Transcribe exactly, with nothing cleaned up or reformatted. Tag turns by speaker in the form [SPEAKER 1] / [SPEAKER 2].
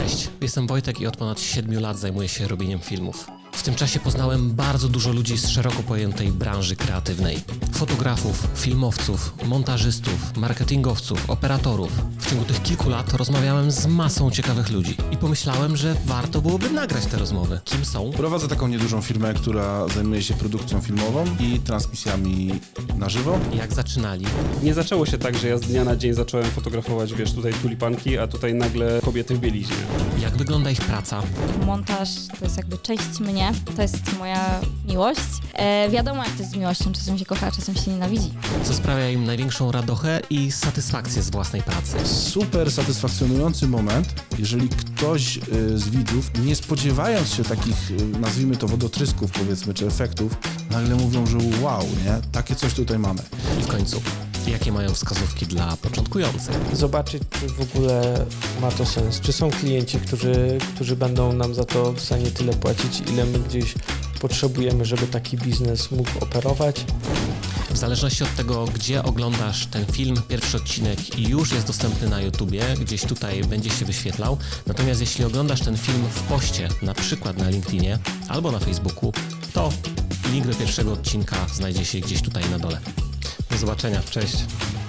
[SPEAKER 1] Cześć, jestem Wojtek i od ponad siedmiu lat zajmuję się robieniem filmów. W tym czasie poznałem bardzo dużo ludzi z szeroko pojętej branży kreatywnej. Fotografów, filmowców, montażystów, marketingowców, operatorów. W ciągu tych kilku lat rozmawiałem z masą ciekawych ludzi i pomyślałem, że warto byłoby nagrać te rozmowy. Kim są?
[SPEAKER 2] Prowadzę taką niedużą firmę, która zajmuje się produkcją filmową i transmisjami na żywo.
[SPEAKER 1] Jak zaczynali?
[SPEAKER 3] Nie zaczęło się tak, że ja z dnia na dzień zacząłem fotografować, wiesz, tutaj tulipanki, a tutaj nagle kobiety w bieliźnie.
[SPEAKER 1] Jak wygląda ich praca?
[SPEAKER 4] Montaż to jest jakby część mnie, to jest moja miłość. E, wiadomo jak to jest z miłością, czasem się kocha, a czasem się nienawidzi.
[SPEAKER 1] Co sprawia im największą radochę i satysfakcję z własnej pracy?
[SPEAKER 2] Super satysfakcjonujący moment, jeżeli ktoś y, z widzów, nie spodziewając się takich, y, nazwijmy to wodotrysków powiedzmy, czy efektów, nagle mówią, że wow, nie? Takie coś tutaj mamy.
[SPEAKER 1] I w końcu, jakie mają wskazówki dla początkujących?
[SPEAKER 5] Zobaczyć, czy w ogóle ma to sens. Czy są klienci, którzy, którzy będą nam za to w stanie tyle płacić, ile my gdzieś potrzebujemy, żeby taki biznes mógł operować.
[SPEAKER 1] W zależności od tego, gdzie oglądasz ten film, pierwszy odcinek już jest dostępny na YouTubie, gdzieś tutaj będzie się wyświetlał. Natomiast jeśli oglądasz ten film w poście, na przykład na LinkedInie albo na Facebooku, to link do pierwszego odcinka znajdzie się gdzieś tutaj na dole. Do zobaczenia, cześć!